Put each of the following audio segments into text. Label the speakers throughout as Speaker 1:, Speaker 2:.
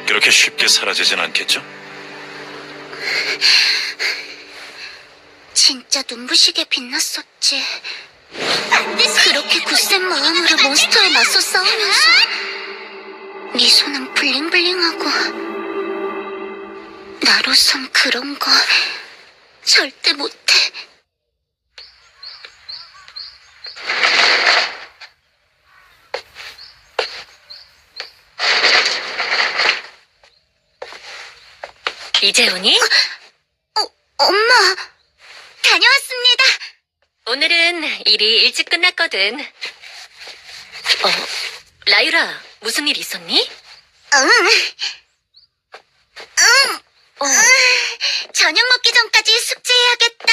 Speaker 1: 그렇게 쉽게 사라지진 않겠죠?
Speaker 2: 진짜 눈부시게 빛났었지. 그렇게 굳센 마음으로 몬스터에 맞서 싸우면서 네 손은 블링블링하고 나로선 그런 거 절대 못해.
Speaker 3: 이제 오니?
Speaker 2: 엄마, 다녀왔습니다.
Speaker 3: 오늘은 일이 일찍 끝났거든. 라유라, 무슨 일 있었니?
Speaker 2: 응. 저녁 먹기 전까지 숙제해야겠다.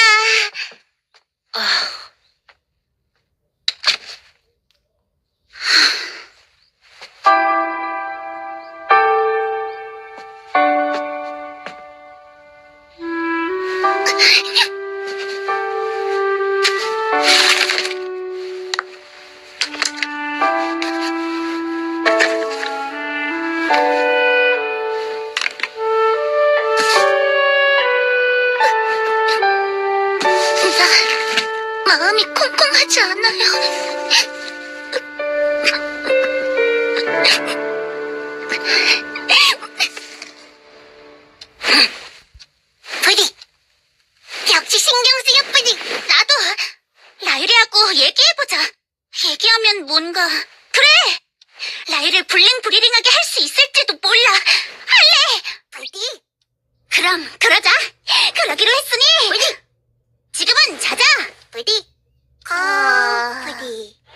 Speaker 2: 나 마음이 콩콩하지 않아요. 부디, 역시 신경 쓰여 부디. 나도 라유리하고 얘기해보자. 얘기하면 뭔가 그래. 라유를 블링블링하게 할 수 있을지도 몰라. 할래. 부디. 그럼 그러자. 그러기로 했으니. 부디. 지금은 자자. 부디. 부디.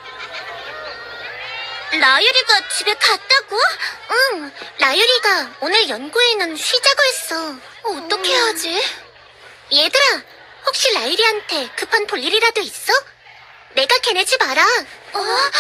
Speaker 2: 라유리가 집에 갔다고? 응. 라유리가 오늘 연구회는 쉬자고 했어. 어떻게 하지? 얘들아, 혹시 라유리한테 급한 볼 일이라도 있어? 내가 걔네 집 알아.